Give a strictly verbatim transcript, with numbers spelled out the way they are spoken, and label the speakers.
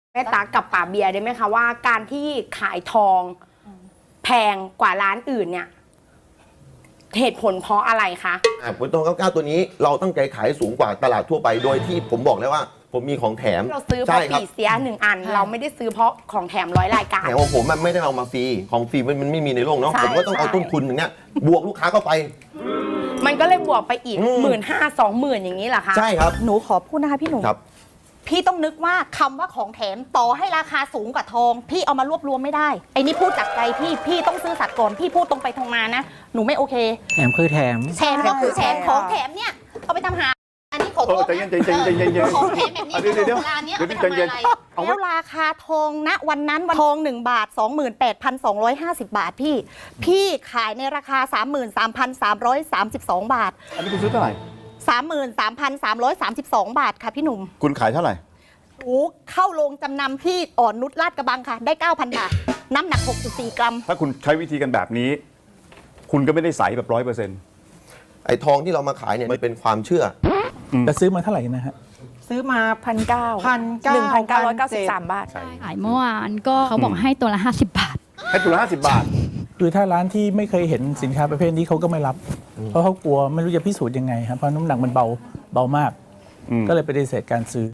Speaker 1: แม่ตากับป่าเบียร์ได้ไหมคะว่าการที่ขายทองแพงกว่าร้านอื่นเนี่ยเหตุผลเพราะอะไรคะ
Speaker 2: ผลทองเก้าเก้าตัวนี้เราตั้งใจขายสูงกว่าตลาดทั่วไปโดยที่ผมบอกแล้วว่าผมมีของแถม
Speaker 1: เราซื้อเพราะปีเสียหนึ่งอันเราไม่ได้ซื้อเพราะของแถมร้อยรายการ
Speaker 2: แถมของผมมันไม่ได้เอามาฟรีของฟรีมันไม่มีในโลกเนาะผมก็ต้องเอาต้นทุนอย่างเงี้ยบวกลูกค้าเข้าไป
Speaker 1: มันก็เลยบวกไปอีกหมื่นห้าสองหมื่นอย่างนี้เหรอคะ
Speaker 2: ใช่ครับ
Speaker 3: หนูขอพูดนะคะพี่หนูพี่ต้องนึกว่าคำว่าของแถมต่อให้ราคาสูงกว่าทองพี่เอามารวบรวมไม่ได้ไอ้นี่พูดจากใจพี่พี่ต้องซื้อสัตว์ก่อนพี่พูดตรงไปตรงมานะหนูไม่โอเค
Speaker 4: แถมคือแถม
Speaker 3: แถมก็คือแถมของแถมเนี่ยเอาไปทำหาอันนี้ขอโทษนะของแถมแบบนี้เวลาเนี้ยเอาไปทำอะไรแล้วราคาทองณวันนั้นวันทองหนึ่งบาท สองหมื่นแปดพันสองร้อยห้าสิบบาทพี่พี่ขายในราคา สามหมื่นสามพันสามร้อยสามสิบสอง บาท
Speaker 5: อันนี้คุณซื้อเท่าไหร่
Speaker 3: สามหมื่นสามพันสามร้อยสามสิบสอง บาทค่ะพี่หนุ่ม
Speaker 5: คุณขายเท่าไหร่
Speaker 3: หนูเข้าโรงจำนำที่อ่อนนุชลาดกระบังค่ะได้ เก้าพัน บาทน้ำหนัก หกจุดสี่ กรัม
Speaker 5: ถ้าคุณใช้วิธีกันแบบนี้คุณก็ไม่ได้ใสแบบร้อยเปอร์เซ็นต์
Speaker 2: ไอ้ทองที่เรามาขายเนี่ยมันเป็นความเชื่อ
Speaker 4: จะซื้อมาเท่าไหร่นะฮะ
Speaker 6: ซื้อมาพันเก้า
Speaker 7: พันเก้า
Speaker 6: หนึ่งพันเก้าร้อยเก้าสิบสามบาท
Speaker 8: ขายเมื่อวานก็เขาบอกให้ตัวละห้าสิบบาท
Speaker 5: ให้ตัวละห้าสิบบาท
Speaker 4: คือถ้าร้านที่ไม่เคยเห็นสินค้าประเภทนี้เขาก็ไม่รับเพราะเขากลัวไม่รู้จะพิสูจน์ยังไงครับเพราะน้ำหนักมันเบาเบามากก็เลยปฏิเสธการซื้อ